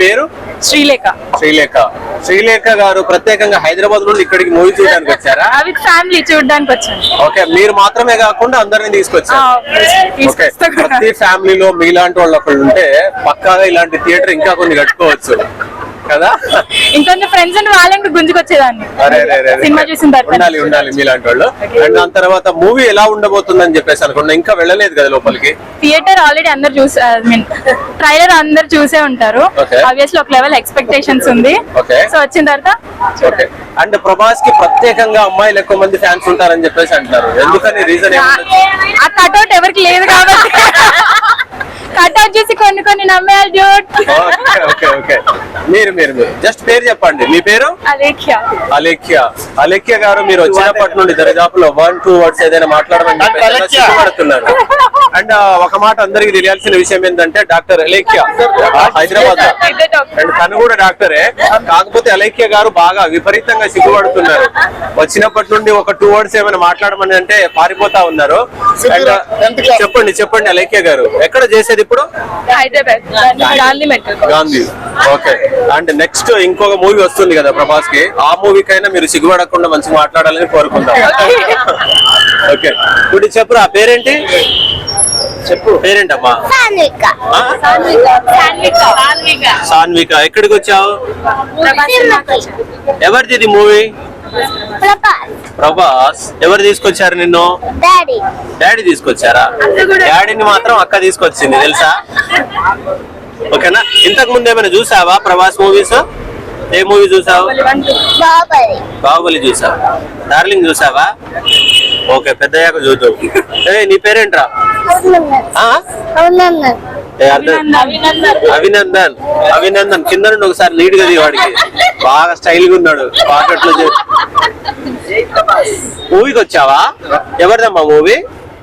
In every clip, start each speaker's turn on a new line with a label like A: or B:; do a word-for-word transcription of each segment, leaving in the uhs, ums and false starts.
A: పేరు?
B: శ్రీలేఖ.
A: శ్రీలేఖ శ్రీలేఖ గారు ప్రత్యేకంగా హైదరాబాద్ నుండి ఇక్కడికి మూవీ చూడడానికి వచ్చారా?
B: విత్ ఫ్యామిలీ చూడడానికి వచ్చాను.
A: ఓకే, మీరు మాత్రమే కాకుండా అందరిని తీసుకొచ్చారు. ఓకే, ప్రతి ఫ్యామిలీలో మీలాంటి వాళ్ళు ఒకళ్ళు ఉంటే పక్కాగా ఇలాంటి థియేటర్ ఇంకా కొన్ని కట్టుకోవచ్చు కదా.
B: ఇంకొంచెం ఫ్రెండ్స్ అండ్ వాళ్ళని గుంజుకొచ్చేదాన్ని సినిమా చూసిన తర్వాత.
A: ఉండాలి ఉండాలి మీలాంటి వాళ్ళు. అండ్ దాని తర్వాత మూవీ ఎలా ఉండబోతుందని చెప్పేసి అనుకున్నా, ఇంకా వెళ్ళలేదు కదా లోపలికి.
B: థియేటర్ ఆల్రెడీ అందరు చూసే, ఐ మీన్ ట్రైలర్ అందరు చూసే ఉంటారు. ఆబ్వియస్లీ ఒక లెవెల్ ఎక్స్పెక్టేషన్స్ ఉంది. సో వచ్చిన తర్వాత
A: ఓకే. అండ్ ప్రభాస్ కి ప్రత్యేకంగా అమ్మాయిలు ఎక్కువ మంది ఫ్యాన్స్ ఉంటారని చెప్పేసి అంటారు, ఎందుకని? రీజన్ ఏముంది?
B: ఆ కట్అవుట్ ఎవరికి లేదు కాబట్టి కట్అవుట్ చూసి కొన్ని కొన్ని నమ్మేయాలి డ్యూట్.
A: ఓకే ఓకే మీరు మీరు మీరు జస్ట్ పేరు చెప్పండి. మీ పేరు?
B: అలేఖ్య.
A: అలేఖ్య అలేఖ్య గారు, మీరు వచ్చినప్పటి నుండి దరిదాపులో వన్ టూ వర్డ్స్ ఏదైనా మాట్లాడమని చెప్పేస్తున్నారు. అండ్ ఒక మాట అందరికి తెలియాల్సిన విషయం ఏంటంటే డాక్టర్ అలేఖ్య హైదరాబాద్, అండ్ తను కూడా డాక్టరే. కాకపోతే అలేఖ్య గారు బాగా విపరీతంగా సిగ్గుపడుతున్నారు. వచ్చినప్పటి నుండి ఒక టూ వర్డ్స్ ఏమైనా మాట్లాడమని అంటే పారిపోతా ఉన్నారు. చెప్పండి చెప్పండి అలేఖ్య గారు, ఎక్కడ చేసేది ఇప్పుడు?
B: Hyderabad Gandhi metro.
A: Gandhi. Okay. And next ఇంకొక మూవీ వస్తుంది కదా ప్రభాస్ కి, ఆ మూవీకైనా మీరు సిగ్గుపడకుండా మంచిగా మాట్లాడాలని కోరుకుందాం. ఓకే, ఇప్పుడు చెప్పు, ఆ పేరేంటి? చెప్పు పేరేంటమ్మా? సాన్విక. ఎక్కడికి వచ్చావు? ఎవరిది మూవీ? ప్రభాస్. ఎవరు తీసుకొచ్చారు నిన్ను? డాడీ తీసుకొచ్చారా? డాడీని మాత్రం అక్క తీసుకొచ్చింది తెలుసా? ఓకేనా. ఇంతకు ముందు ఏమైనా చూసావా ప్రభాస్ మూవీస్? ఏ మూవీ చూసావు? బాహుబలి చూసావు. డార్లింగ్ చూసావా? ఓకే, పెద్దయ్యాక చూద్దాం. ఏ నీ పేరేంట్రా? అభినందన్. అభినందన్ కింద నుండి ఒకసారి నీట్ గా వాడికి బాగా స్టైల్ గా ఉన్నాడు. పాకెట్లో మూవీకి వచ్చావా? ఎవరిదమ్మా మూవీ?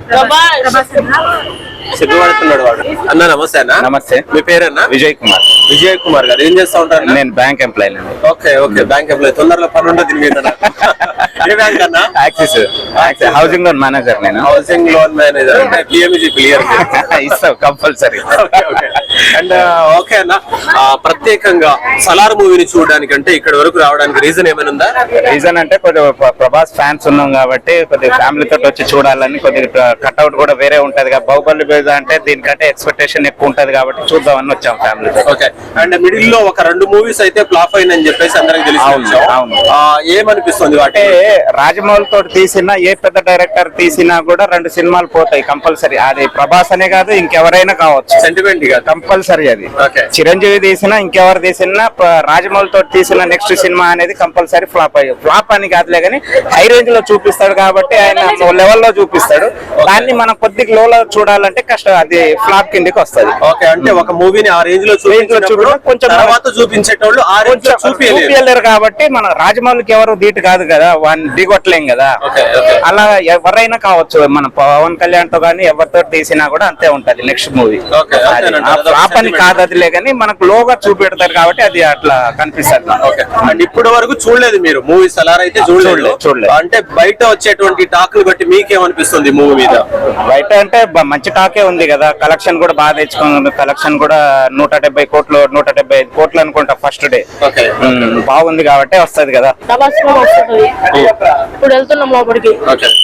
A: సిగ్గుపడుతున్నాడు వాడు. అన్న నమస్తే. అన్న నమస్తే. మీ పేరన్నా? విజయ్ కుమార్. విజయ్ కుమార్ గారు ఏం చేస్తా ఉంటారు?
C: నేను bank employee.
A: Okay okay, bank employee. తొందరలో పని ఉండదు దీని మీద. ఏ బ్యాంక్ అన్నా?
C: యాక్సిస్. Housing loan manager. నేను
A: housing loan manager. PMG clear
C: ఇస్తావు కంపల్సరీ.
A: అండ్ ఓకే అన్న, ప్రత్యేకంగా సలార్ మూవీని చూడడానికి అంటే ఇక్కడ వరకు రావడానికి రీజన్ ఏమైనా ఉందా?
C: రీజన్ అంటే కొద్దిగా ప్రభాస్ ఫ్యాన్స్ ఉన్నాం కాబట్టి కొద్దిగా ఫ్యామిలీ తోటి వచ్చి చూడాలని, కొద్దిగా కట్అవుట్ కూడా వేరే ఉంటది కదా. బాహుబలి అంటే దీనికంటే ఎక్స్పెక్టేషన్ ఎక్కువ ఉంటది కాబట్టి చూద్దామని వచ్చాం ఫ్యామిలీ.
A: ఓకే. అండ్ మిడిల్ లో ఒక రెండు మూవీస్ అయితే ఫ్లాప్ అయినని చెప్పేసి అందరికి తెలిసి ఏమనిపిస్తుంది? అంటే
C: రాజమౌళి తోటి తీసినా, ఏ పెద్ద డైరెక్టర్ తీసినా కూడా రెండు సినిమాలు పోతాయి కంపల్సరీ. అది ప్రభాస్ అనే కాదు, ఇంకెవరైనా కావచ్చు.
A: సెంటిమెంట్ గా కంపల్సరీ
C: అది. చిరంజీవి తీసినా, ఇంకెవరు తీసినా, రాజమౌళి తోటి తీసిన నెక్స్ట్ సినిమా అనేది కంపల్సరీ ఫ్లాప్ అయ్యి. ఫ్లాప్ అని కాదులే కానీ హై రేంజ్ లో చూపిస్తాడు కాబట్టి ఆయన లెవెల్ లో చూపిస్తాడు. దాన్ని మనం కొద్దిగా లో లో చూడాలంటే కష్టం, అది ఫ్లాప్ కిందకి వస్తుంది.
A: ఓకే, అంటే ఒక మూవీని ఆ రేంజ్ లో చూపించినప్పుడు కొంచెం తర్వాత చూపించేటోళ్ళు ఆ రేంజ్ లో
C: చూపించలేరు కాబట్టి మన రాజమౌళికి ఎవరు ధీటు కాదు కదా, వాడిని దిగొట్టలేం కదా. అలా ఎవరైనా కావచ్చు, మన పవన్ కళ్యాణ్ తో కానీ ఎవరితో తీసినా కూడా అంతే ఉంటది నెక్స్ట్ మూవీ. ఫ్లాప్ అని కాదు అదిలే కానీ మనకు లోగా చూపెడతారు కాబట్టి అది అట్లా కనిపిస్తుంది.
A: ఓకే. అండ్ ఇప్పటి వరకు చూడలేదు మీరు మూవీస్ అలా అయితే? చూడలేదు. చూడలేదు. అంటే బయట వచ్చేటువంటి టాక్లు బట్టి మీకేమనిపిస్తుంది మూవీ మీద?
C: బయట అంటే మంచి టాకే ఉంది కదా, కలెక్షన్ కూడా బాగా తెచ్చుకున్నాం. కలెక్షన్ కూడా నూట డెబ్బై కోట్లు నూట డెబ్బై ఐదు కోట్లు అనుకుంటా ఫస్ట్ డే. బాగుంది కాబట్టి వస్తుంది కదా.
B: ఇప్పుడు వెళ్తున్నాం లోపలికి.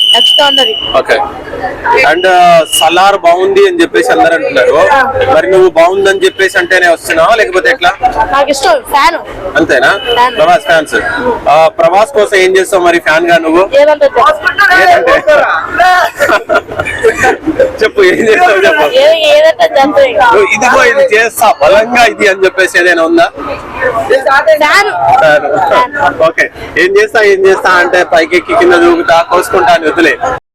A: అండ్ సలార్ బాగుంది అని చెప్పేసి అందరు అంటున్నారు. మరి నువ్వు బాగుందని చెప్పేసి అంటేనే వస్తున్నావా లేకపోతే ఎట్లా?
B: నాకు ఇష్టం, ఫ్యాన్.
A: అంతేనా? ప్రభాస్ ఫ్యాన్స్. ప్రభాస్ కోసం ఏం చేస్తావు మరి ఫ్యాన్ గా నువ్వు? చెప్పు, ఏం చేస్తావు చెప్పు. ఇదిగో ఇది చేస్తా బలంగా ఇది అని చెప్పేసి ఏదైనా ఉందా? ఓకే. ఏం చేస్తా ఏం చేస్తా అంటే పైకి ఎక్కి కింద దూకుతా కోసుకుంటా అని వదిలే.